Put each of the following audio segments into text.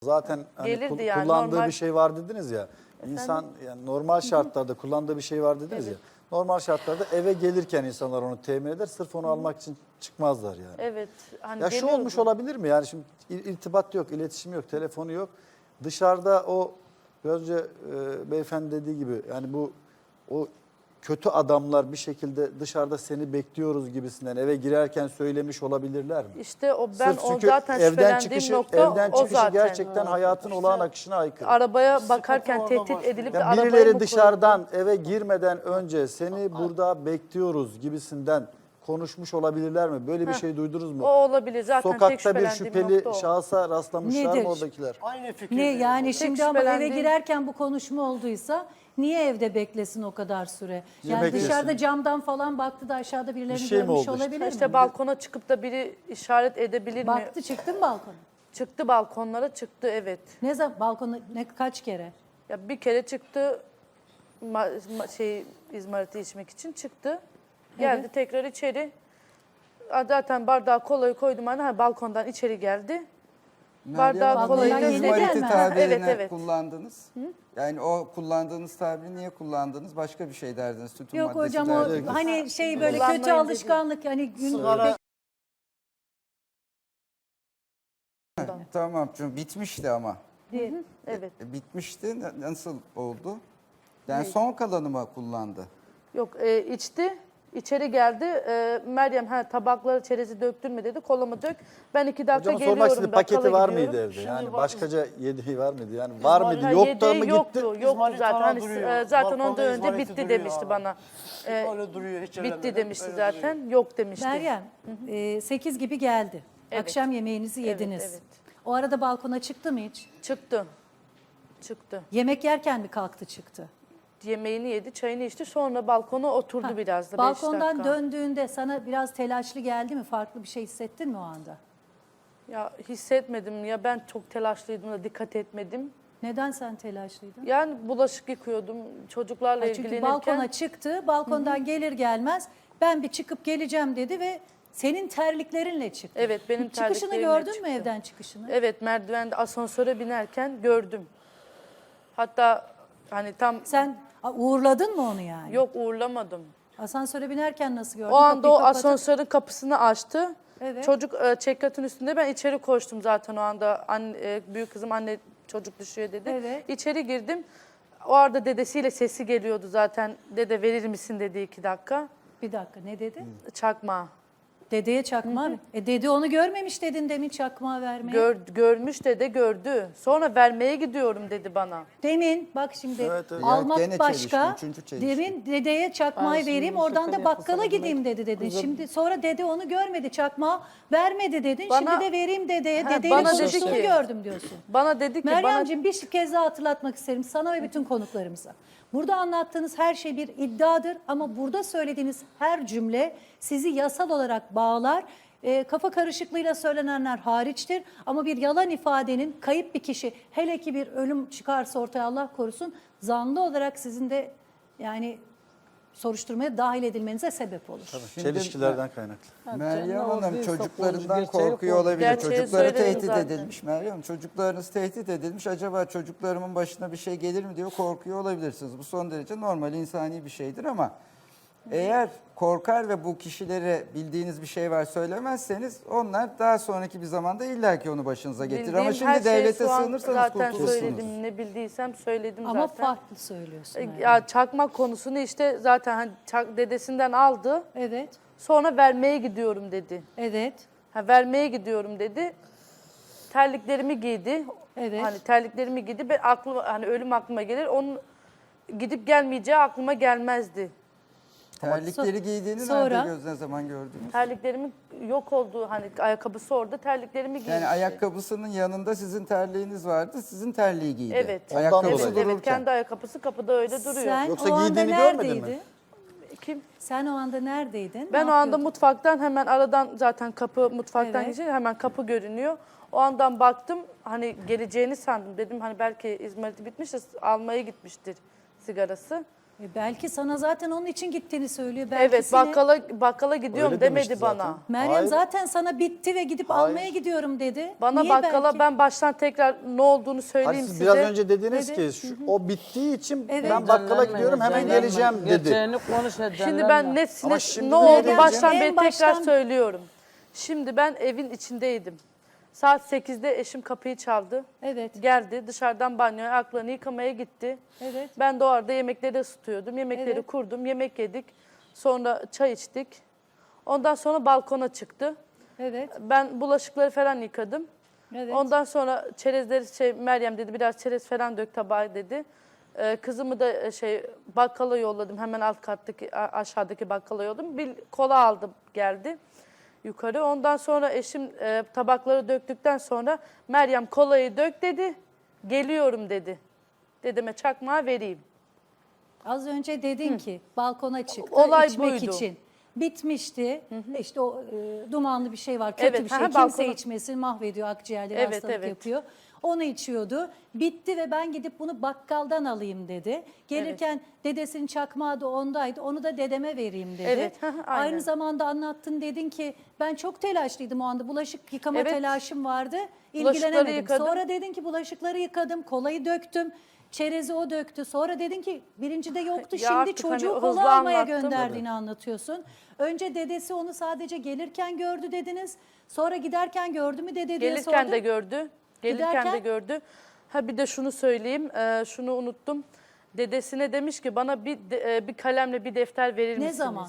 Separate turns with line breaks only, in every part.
Zaten hani
Gelirdi yani,
kullandığı
normal.
bir şey var dediniz ya. İnsan yani normal şartlarda kullandığı bir şey var dediniz ya. Normal şartlarda eve gelirken insanlar onu temin eder. Sırf onu almak için çıkmazlar yani.
Evet. Hani
Ya şu
geliyordu.
olmuş olabilir mi? Yani şimdi irtibat yok, iletişim yok, telefonu yok. Dışarıda o biraz önce beyefendi dediği gibi yani o kötü adamlar bir şekilde dışarıda seni bekliyoruz gibisinden eve girerken söylemiş olabilirler mi?
İşte o ben
Sırf
o
çünkü
zaten şüphelendiğim nokta
evden
o
çıkışı
zaten.
gerçekten hayatın olağan akışına aykırı.
Arabaya bakarken tehdit edilip de
Yani
arabaya mı
birileri
koyuldu?
dışarıdan eve girmeden önce seni burada bekliyoruz gibisinden konuşmuş olabilirler mi? Böyle bir şey duydunuz mu?
O olabilir. Zaten tek
Sokakta bir
şüphelendiğim
şüpheli
nokta o.
şahsa rastlamışlar
Nedir?
mı oradakiler?
Aynı fikirde.
Ne yani şimdi ama eve
şüphelendiğim-
girerken bu konuşma olduysa niye evde beklesin o kadar süre? Yani
beklesin?
dışarıda camdan falan baktı da aşağıda birilerini
Bir şey mi
görmüş
oldu işte?
olabilir mi?
İşte balkona çıkıp da biri işaret edebilir mi?
Baktı çıktı mı balkona?
Çıktı balkonlara çıktı evet.
Ne zaman balkona kaç kere?
Ya bir kere çıktı izmariti içmek için çıktı. Geldi
Evet.
tekrar içeri. Zaten bardağı kolayı koydum hani balkondan içeri geldi. Bardağı
Balkondan
kolayı
yeni
İzmariti
gelme.
tabirini
Evet, evet.
kullandınız. Yani o kullandığınız tabiri niye kullandınız? Başka bir şey derdiniz. Tütün
Yok
maddesi
hocam o
derdiniz.
hani şey böyle
Kullanmayın
kötü
dedi.
alışkanlık hani gün
Sigara-
Tamam çünkü bitmişti ama.
değil.
Evet.
Bitmişti. Nasıl oldu? Yani son kalanı mı kullandı?
Yok içti. İçeri geldi. Meryem tabakları çerezi döktürme dedi. Kolamı dök. Ben 2 dakika
Hocam
geliyorum.
sormak istedim paketi
bakkala
var
gidiyorum.
mıydı evde?
Şimdi
Yani
bak-
başkaca yediği var mıydı? Yani var mıydı?
Ha,
Yok da
yedeği
mı
yoktu,
gitti?
Yoktu
İzmarit
zaten.
hala
Hani,
duruyor.
zaten
Balkonda
ondan önce
izmariti
bitti
duruyor
demişti
hala.
bana.
Öyle duruyor, hiç
Bitti
ellemeden
demişti
öyle
zaten.
duruyor.
Yok demişti.
Meryem 8 gibi geldi.
Evet.
Akşam yemeğinizi
Evet,
yediniz.
evet.
O arada balkona çıktı mı hiç?
Çıktı. Çıktı.
Yemek yerken mi kalktı çıktı?
Yemeğini yedi, çayını içti. Sonra balkona oturdu
Ha,
biraz da. 5
balkondan
dakika.
döndüğünde sana biraz telaşlı geldi mi? Farklı bir şey hissettin mi o anda?
Ya hissetmedim ya, ben çok telaşlıydım da dikkat etmedim.
Neden sen telaşlıydın?
Yani bulaşık yıkıyordum çocuklarla
Ha, çünkü
ilgilenirken.
balkona çıktı, balkondan gelir gelmez ben bir çıkıp geleceğim dedi ve senin terliklerinle çıktı.
Evet, benim
Çıkışını
terliklerimle
gördün mü
çıktı.
evden çıkışını?
Evet, merdivende asansöre binerken gördüm. Hatta hani tam
Sen uğurladın mı onu yani?
yok uğurlamadım.
Asansöre binerken nasıl gördün?
O anda
Kapıyı
o
kapatıp-
asansörün kapısını açtı.
Evet.
Çocuk çekyatın üstünde, ben içeri koştum zaten o anda. Büyük kızım anne çocuk düşüyor dedi.
Evet.
İçeri girdim. O arada dedesiyle sesi geliyordu zaten. Dede verir misin dedi 2 dakika.
Bir dakika ne dedi?
Çakma.
Dedeye çakma mı? Dede onu görmemiş dedin demin çakmağı vermeye.
Görmüş dede, gördü. Sonra vermeye gidiyorum dedi bana.
Demin bak şimdi
Evet, evet.
almak
Ya gene
başka.
çelişki, üçüncü çelişki.
Demin dedeye çakmağı vereyim oradan da bakkala gideyim dedi dedin. Şimdi sonra dede onu görmedi çakmağı vermedi dedin.
Bana-
Şimdi de vereyim dedeye.
Ha,
Dedeyle
bana dedi
konuştuğunu
ki-
gördüm diyorsun.
Bana dedi ki
Meryemciğim bir kez daha hatırlatmak isterim sana ve bütün konuklarımıza. Burada anlattığınız her şey bir iddiadır ama burada söylediğiniz her cümle sizi yasal olarak bağlar. Kafa karışıklığıyla söylenenler hariçtir ama bir yalan ifadenin kayıp bir kişi hele ki bir ölüm çıkarsa ortaya Allah korusun zanlı olarak sizin de yani soruşturmaya dahil edilmenize sebep olur.
Şimdi
Çelişkilerden kaynaklı.
Meryem
canım,
Hanım
değil,
çocuklarından
sapolojik gerçeği
korkuyor
yok.
olabilir.
Gerçeği
Çocukları
söyledim
tehdit
zaten.
edilmiş Meryem Hanım. Çocuklarınız tehdit edilmiş. Acaba çocuklarımın başına bir şey gelir mi diye korkuyor olabilirsiniz. Bu son derece normal, insani bir şeydir ama eğer korkar ve bu kişilere bildiğiniz bir şey var söylemezseniz onlar daha sonraki bir zamanda illaki onu başınıza getirir. Ama
bildiğim her
şimdi
şeyi
devlete
şu an
sığınırsanız
zaten
kurtulursunuz.
söyledim. Ne bildiysem söyledim
Ama
zaten.
farklı söylüyorsun. Meryem.
Ya çakmak konusunu işte zaten hani dedesinden aldı.
Evet,
Sonra vermeye gidiyorum dedi.
evet,
Vermeye gidiyorum dedi. Terliklerimi giydi.
Evet.
Hani terliklerimi giydi. Ben hani ölüm aklıma gelir. Onun gidip gelmeyeceği aklıma gelmezdi.
Terlikleri giydiğini
sonra-
nerede ne zaman gördünüz?
Terliklerimin yok olduğu hani ayakkabısı orada, terliklerimi giydi.
Yani ayakkabısının yanında sizin terliğiniz vardı, sizin terliği giydi.
Evet.
Ayakkabısı
dolayı.
Evet,
dururken.
evet, kendi ayakkabısı kapıda öyle duruyor.
Sen
Yoksa
o anda
giydiğini görmedin mi?
neredeydin?
Kim?
Sen o anda neredeydin?
Ben
Ne
o anda
yapıyordun?
mutfaktan hemen aradan zaten kapı mutfaktan
Evet.
geçince hemen kapı görünüyor. O andan baktım hani geleceğini sandım. Dedim hani belki izmariti bitmiş de almaya gitmiştir sigarası.
Belki sana zaten onun için gittiğini söylüyor. Belki
Evet,
seni-
bakkala gidiyorum
Öyle
demedi
demişti
bana.
zaten.
Meryem
Hayır.
zaten sana bitti ve gidip
Hayır.
almaya gidiyorum dedi.
Bana
Niye
bakkala
belki?
ben baştan tekrar ne olduğunu söyleyeyim
Hani siz
size.
biraz önce dediniz
Evet.
ki o bittiği için
Evet.
ben bakkala gidiyorum hemen geleceğim dedi.
Gerçeğini konuş
Şimdi ben
Ama şimdi
ne
ne
oldu
diyeceğim?
baştan
En
beri
baştan-
tekrar söylüyorum. Şimdi ben evin içindeydim. Saat 8'de eşim kapıyı çaldı.
Evet.
Geldi dışarıdan banyoya ayaklarını yıkamaya gitti.
Evet.
Ben de o arada yemekleri ısıtıyordum. Yemekleri
Evet.
kurdum, yemek yedik. Sonra çay içtik. Ondan sonra balkona çıktı.
Evet.
Ben bulaşıkları falan yıkadım.
Evet.
Ondan sonra çerezleri Meryem dedi biraz çerez falan dök tabağa dedi. Kızımı da bakkala yolladım. Hemen alt kattaki aşağıdaki bakkala yolladım. Bir kola aldım geldi yukarı. Ondan sonra eşim tabakları döktükten sonra Meryem kolayı dök dedi. Geliyorum dedi. Dedeme çakmağı vereyim.
Az önce dedin ki balkona çıktı
Olay
içmek
buydu.
için. Bitmişti. İşte o dumanlı bir şey var. Kötü
Evet,
bir şey.
aha,
Kimse
balkona-
içmesin. Mahvediyor akciğerleri,
Evet,
hastalık
evet.
yapıyor. Onu içiyordu. Bitti ve ben gidip bunu bakkaldan alayım dedi. Gelirken dedesinin çakmağı da ondaydı. Onu da dedeme vereyim dedi.
Evet, aha, aynen.
Aynı zamanda anlattın, dedin ki ben çok telaşlıydım o anda. Bulaşık yıkama
Evet.
telaşım vardı.
Bulaşıkları
İlgilenemedim.
yıkadım.
Sonra dedin ki bulaşıkları yıkadım, kolayı döktüm. Çerezi o döktü. Sonra dedin ki birincide yoktu.
Ya
Şimdi
artık
çocuğu
hani
kola
hızlı
almaya
anlattım.
gönderdiğini anlatıyorsun. Önce dedesi onu sadece gelirken gördü dediniz. Sonra giderken gördü mü dede diye
Gelirken
sordum.
de gördü. Gelirken
Giderken?
de gördü. Ha bir de şunu söyleyeyim. Şunu unuttum. Dedesine demiş ki bana bir kalemle bir defter verir
Ne
misiniz?
zaman?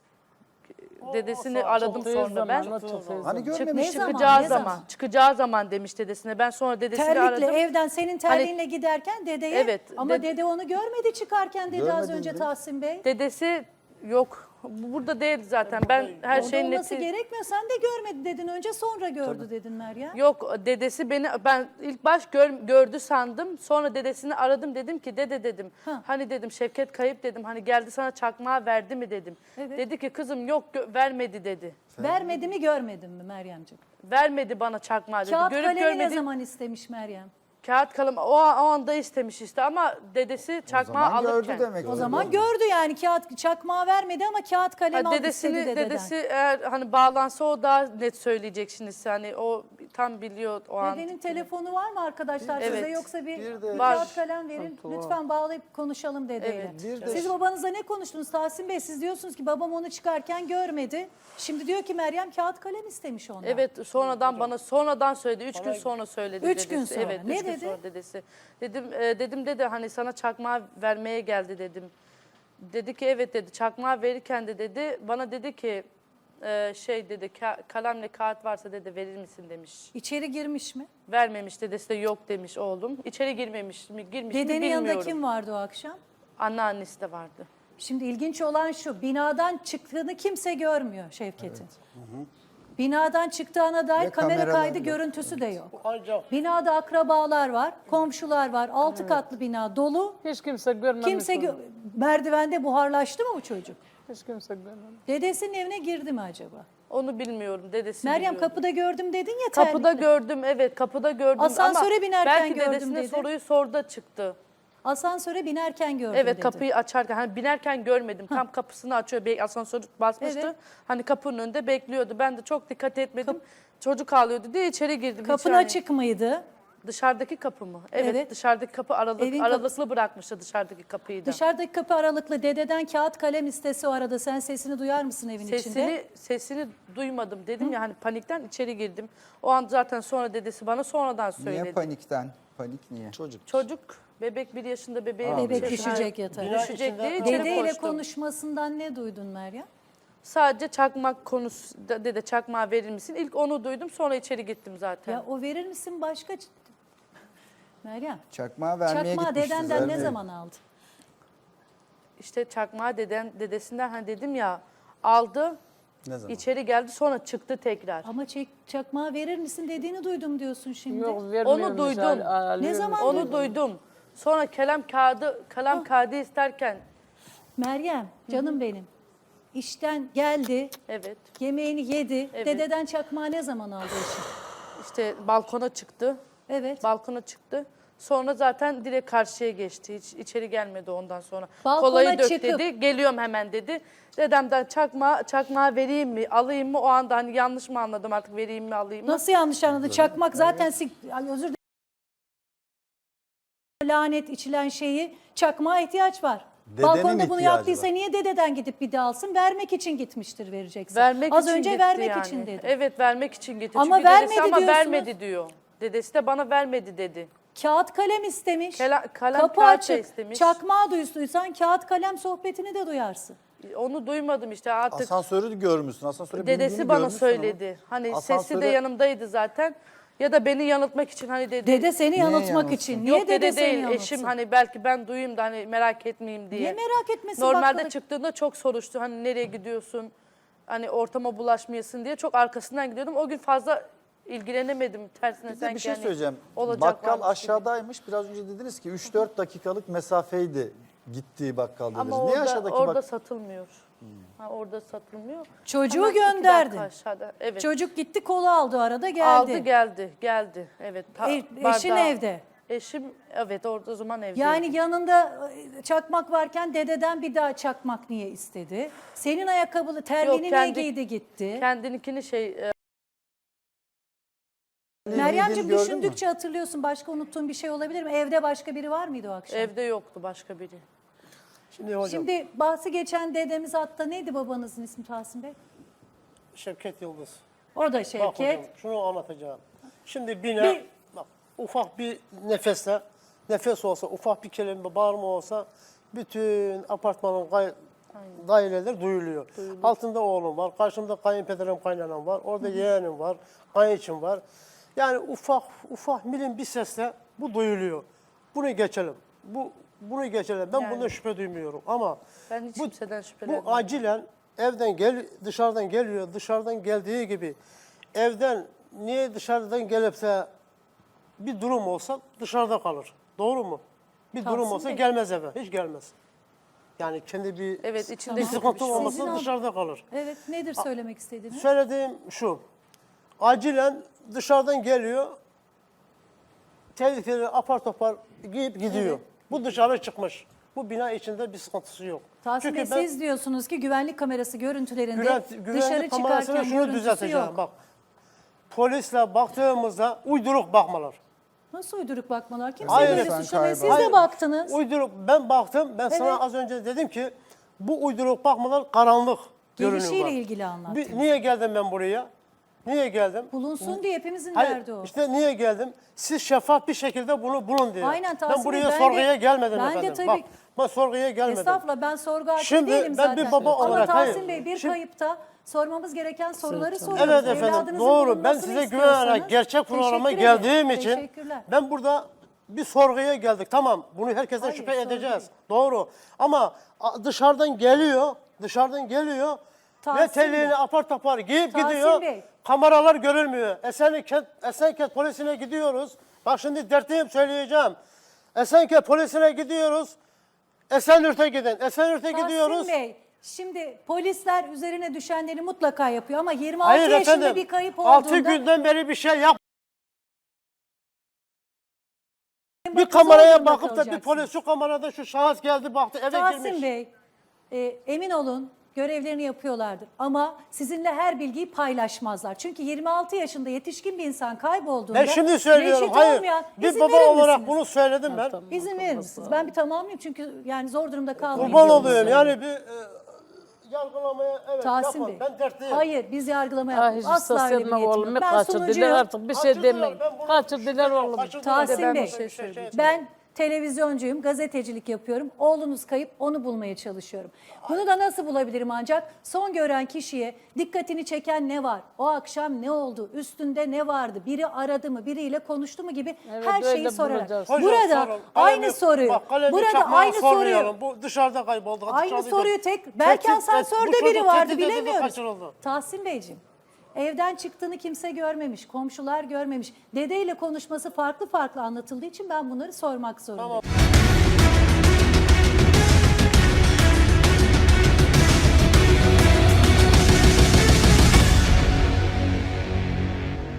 Dedesini aradım sonra ben.
Hani görmemiş.
Ne zaman?
Çıkacağı
Ne
zaman.
zaman?
Çıkacağı zaman demiş dedesine. Ben sonra dedesini
Terlikle
aradım.
evden senin terliğinle giderken dedeye.
Evet,
Ama dede onu görmedi çıkarken dedi az
Görmedi
önce
dedi.
Tahsin Bey.
Dedesi yok. Burada değil zaten. Ben her
Orada
şeyin
olması
neti...
gerekmiyor. Sen de görmedi dedin önce, sonra gördü dedin Meryem.
Yok dedesi ben ilk baş gördü sandım. Sonra dedesini aradım, dedim ki dede dedim.
Ha.
Hani dedim Şevket kayıp dedim. Hani geldi sana çakmağı verdi mi dedim.
Evet.
Dedi ki kızım yok vermedi dedi.
Vermedi mi görmedin mi Meryemciğim?
Vermedi bana çakmağı dedi.
Kağıt
Görüp
kalemi ne
görmedi.
zaman istemiş Meryem?
Kağıt kalem o anda istemiş işte ama dedesi
O
çakmağı
zaman
alırken.
gördü demek.
O zaman gördü yani, kağıt çakmağı vermedi ama kağıt kalem aldı istedi dededen.
Dedesi eğer hani bağlansa o daha net söyleyecek şimdi. Hani o tam biliyor o an.
Dedenin telefonu var mı arkadaşlar size,
Evet.
yoksa bir
de-
Var.
kağıt kalem verin. Lütfen bağlayıp konuşalım dedeyle.
Evet.
Bir de-
Siz babanızla ne konuştunuz Tahsin Bey? Siz diyorsunuz ki babam onu çıkarken görmedi. Şimdi diyor ki Meryem kağıt kalem istemiş ondan.
Evet sonradan bana sonradan söyledi. 3 gün sonra söyledi
3
dedesi.
gün sonra.
Evet,
Ne
üç gün
dedi?
sonra dedesi. Dedim dedi hani sana çakmağı vermeye geldi dedim. Dedi ki evet dedi. Çakmağı verirken de dedi bana dedi ki dedi kalemle kağıt varsa dedi verir misin demiş.
İçeri girmiş mi?
Vermemiş, dedesi de yok demiş oğlum. İçeri girmemiş mi girmiş mi
Dedenin
bilmiyorum.
yanında kim vardı o akşam?
Anneannesi de vardı.
Şimdi ilginç olan şu, binadan çıktığını kimse görmüyor Şevket'in. Binadan çıktığına dair
Ve
kamera
kameralar
kaydı
yok.
görüntüsü de yok. Binada akrabalar var, komşular var, 6 katlı bina dolu.
Hiç kimse görmemiş.
Kimse
onu.
merdivende buharlaştı mı bu çocuk?
Hiç kimse görmemiş.
Dedesinin evine girdi mi acaba?
Onu bilmiyorum. Dedesi
Meryem
biliyordu.
kapıda gördüm dedin ya
Kapıda
terlikle.
gördüm, evet kapıda gördüm
Asansöre
ama
binerken
belki
gördüm
dedesine
dedi.
soruyu sordu da çıktı.
Asansöre binerken gördüm
Evet
dedi.
kapıyı açarken hani binerken görmedim. Tam kapısını açıyor, asansör basmıştı.
Evet.
Hani kapının önünde bekliyordu. Ben de çok dikkat etmedim. Çocuk ağlıyordu diye içeri girdim.
Kapın
hiç yani.
açık mıydı?
Dışarıdaki kapı mı? Evet,
Evet.
dışarıdaki kapı
Evin
aralıklı bırakmıştı dışarıdaki kapıyı da.
Dışarıdaki kapı aralıklı, dededen kağıt kalem istese o arada sen sesini duyar mısın evin içinde?
Sesini duymadım dedim ya hani panikten içeri girdim. O an zaten sonra dedesi bana sonradan söyledi.
Niye panikten? Panik niye?
Çocuk.
Bebek 1 yaşında bebeği.
Bebek
şey-
düşecek yatağa.
Düşecek diye içeri
Dedeyle
koştum.
konuşmasından ne duydun Meryem?
Sadece çakmak konusu, dede çakmağı verir misin? İlk onu duydum sonra içeri gittim zaten.
Ya o verir misin başka? Meryem,
Çakmağı vermeye
çakmağı
gitmişti
dedenden
zaten.
ne zaman aldın?
İşte çakmağı dedesinden hani dedim ya aldı,
Ne zaman?
içeri geldi sonra çıktı tekrar.
Ama çakmağı verir misin dediğini duydum diyorsun şimdi.
Yok vermiyormuş.
Onu duydum.
alıyormuş.
Ne zaman
Onu duydum. Sonra kalem kağıdı isterken
Meryem, canım benim. İşten geldi,
evet
yemeğini yedi.
Evet.
Dededen çakmağı ne zaman aldı eşin?
işte balkona çıktı.
Evet.
Balkona çıktı. Sonra zaten direkt karşıya geçti. Hiç içeri gelmedi ondan sonra.
Balkona
Kolayı dök
çıkıp-
dedi. Geliyorum hemen dedi. Dedemden çakmağı vereyim mi, alayım mı? O anda hani yanlış mı anladım artık, vereyim mi, alayım mı?
Nasıl yanlış anladı? Çakmak zaten Ay, özür dilerim. Lanet içilen şeyi çakmağa ihtiyaç var.
Dedenin
Balkonda bunu
ihtiyacı
yaptıysa
var.
niye dededen gidip bir de alsın? Vermek için gitmiştir verecekse.
Vermek
Az
için
önce
gitti
vermek
yani.
için dedi.
Evet, vermek için gitti.
Ama
Çünkü dedesi
vermedi
ama
diyorsunuz.
vermedi diyor. Dedesi de bana vermedi dedi.
Kağıt kalem istemiş.
Kalem
Kapı
kağıt da
açık.
istemiş.
Çakmağı duysan kağıt kalem sohbetini de duyarsın.
Onu duymadım işte artık.
Asansörü görmüşsün. Asansöre
Dedesi
bindiğini
bana
görmüşsün ama
söyledi. Hani sesi de
asansöre-
yanımdaydı zaten. Ya da beni yanıltmak için hani dedi.
Dede seni yanıltmak
yanıltsın?
için. Niye
Yok
dede
dede
seni
değil,
yanıltsın?
eşim hani belki ben duyayım da hani merak etmeyeyim diye.
Niye merak etmesin?
Normalde
bakkala-
çıktığında çok soruştu. Hani nereye gidiyorsun? Hani ortama bulaşmayasın diye çok arkasından gidiyordum. O gün fazla ilgilenemedim. Tersine
Bir de
sanki
bir şey
hani
söyleyeceğim.
olacak
Bakkal
varmış gibi.
aşağıdaymış. Biraz önce dediniz ki 3-4 dakikalık mesafeydi gittiği bakkal dediniz.
Ama
Niye
orada,
aşağıdaki
orada
bak?
satılmıyor. Ha, orada satılmıyor.
Çocuğu
Hemen 2 dakika
gönderdin.
aşağıda. Evet.
Çocuk gitti kolu aldı arada geldi.
Aldı geldi. Evet.
Eşin
bardağı-
evde.
Eşim evet orada o zaman evde.
Yani yanında çakmak varken dededen bir daha çakmak niye istedi? Senin ayakkabılı terliğini niye
kendi-
giydi gitti?
kendininkini
Meryemciğim
gördün mü?
düşündükçe hatırlıyorsun, başka unuttuğun bir şey olabilir mi? Evde başka biri var mıydı o akşam?
evde yoktu başka biri.
Şimdi hocam
Şimdi bahsi geçen dedemiz hatta neydi babanızın ismi Tahsin Bey?
Şevket Yıldız.
O da
Bak hocam
Şevket.
şunu anlatacağım. Şimdi bina bak, ufak bir nefes olsa, ufak bir kelime bağırma olsa bütün apartmanın daireler duyuluyor. Altında oğlum var, karşımda kayınpederim, kaynanam var, orada yeğenim var, kayınçım var. Yani ufak milim bir sesle bu duyuluyor. Bunu geçelim. Bunu geçelim. Ben bundan şüphe duymuyorum ama
Ben hiç
bu,
kimseden şüphelenmiyorum.
bu acilen dışarıdan geliyor. Dışarıdan geldiği gibi evden niye dışarıdan gelipse bir durum olsa dışarıda kalır. Doğru mu? Bir durum
Tahsin
olsa
Bey.
gelmez eve. Hiç gelmez. Yani kendi
Evet, içinde
bir
kötü bir
sıkıntı
şey
olmasa
Sizin
dışarıda kalır.
Evet, nedir söylemek istediğiniz?
Söylediğim şu. Acilen dışarıdan geliyor. Tehlikeli apar topar giyip gidiyor. Bu dışarı çıkmış. Bu bina içinde bir sıkıntısı yok.
Tahsin Bey, siz diyorsunuz ki güvenlik kamerası görüntülerinde dışarı
güvenlik kamerasına
çıkarken
şunu
görüntüsü
düzelteceğim.
yok.
Bak. Polisle baktığımızda uyduruk bakmalar.
Nasıl uyduruk bakmalar? Kimse
Hayır
böyle
efendim,
suçlamıyor. Siz
Hayır,
de baktınız.
Uyduruk. Ben baktım. Ben sana
Evet.
az önce dedim ki bu uyduruk bakmalar karanlık
Gelişiyle
görünüyor.
ilgili anlattınız.
Niye geldim ben buraya? Niye geldim?
Bulunsun diye hepimizin
Hayır,
derdi o.
işte niye geldim? Siz şeffaf bir şekilde bunu bulun diye.
Aynen Tahsin
Ben buraya
Bey, ben
sorguya
de-
gelmedim
ben de
efendim.
tabii-
Bak, ben sorguya gelmedim.
Estağfurullah, ben sorgu açık
Şimdi
değilim
ben
zaten.
bir baba
Ama
olarak,
Tahsin
hayır.
Bey, bir
Şimdi-
kayıpta sormamız gereken soruları soruyoruz.
Evet efendim,
Evladınızın
doğru. Ben
bulunmasını
size
istiyorsanız-
güvenerek gerçek programa
Teşekkür ederim.
geldiğim için
Teşekkürler.
ben burada bir sorguya geldik. Tamam, bunu herkesten
Hayır,
şüphe
sorgu
edeceğiz.
değil.
Doğru. Ama dışarıdan geliyor ve
Tahsin
telliğini
Bey.
apar topar giyip
Tahsin
gidiyor.
Bey.
Kameralar görülmüyor. Esenkent polisine gidiyoruz. Bak şimdi dertliyim, söyleyeceğim. Esenkent polisine gidiyoruz. Esenyurt'a gidin. Esenyurt'a gidiyoruz.
Tahsin Bey, şimdi polisler üzerine düşenleri mutlaka yapıyor ama 26
Hayır
yaşında
efendim.
bir kayıp olduğunda
6 günden beri bir şey yap. Bir
bakız
kameraya
olduğunda
bakıp da bir
kalacaksınız.
polis şu kamerada şu şahıs geldi baktı eve
Tahsin
girmiş.
Bey, emin olun görevlerini yapıyorlardır. Ama sizinle her bilgiyi paylaşmazlar. Çünkü 26 yaşında yetişkin bir insan kaybolduğunda
Ben şimdi söylüyorum.
reşit
Hayır.
olmayan,
Bir
izin
baba
verir
olarak
misiniz?
bunu söyledim ben.
İzin verir misiniz? Ben bir tamamlayayım çünkü yani zor durumda kalmayayım.
Kurban
diyorum
oluyorum.
size.
Yani bir yargılamaya evet
Tahsin
yapın.
Bey,
Ben dertliyim.
hayır biz yargılama
Ah,
yapmıyoruz.
hiç
Asla öyle bir
seslenme
niyetim
oğlum.
yok. Ben
Kaçırdılar
sunucuyum.
artık bir şey
Kaçırdılar,
demeyin.
ben bunu-
Kaçırdılar oğlum.
Kaçırdılar.
Tahsin
Ben
Bey,
bir şey söyleyeceğim.
ben televizyoncuyum, gazetecilik yapıyorum. Oğlunuz kayıp, onu bulmaya çalışıyorum. Bunu da nasıl bulabilirim ancak? Son gören kişiye dikkatini çeken ne var? O akşam ne oldu? Üstünde ne vardı? Biri aradı mı? Biriyle konuştu mu gibi
Evet,
her şeyi
öyle
sorarak.
bulacağız.
Hocam,
Burada
sorun.
aynı
Kalemi-
soruyu.
bak, kalemi
Burada
çakmağı
aynı soruyu.
sormayalım. Bu dışarıda kayboldu.
Aynı
dışarıda-
soruyu belki
Tehdit-
asansörde
bu
biri
çocuk
vardı
tehdit edildi,
bilemiyoruz.
kaçırıldı.
Tahsin Beyciğim, evden çıktığını kimse görmemiş, komşular görmemiş. Dedeyle konuşması farklı farklı anlatıldığı için ben bunları sormak zorundayım.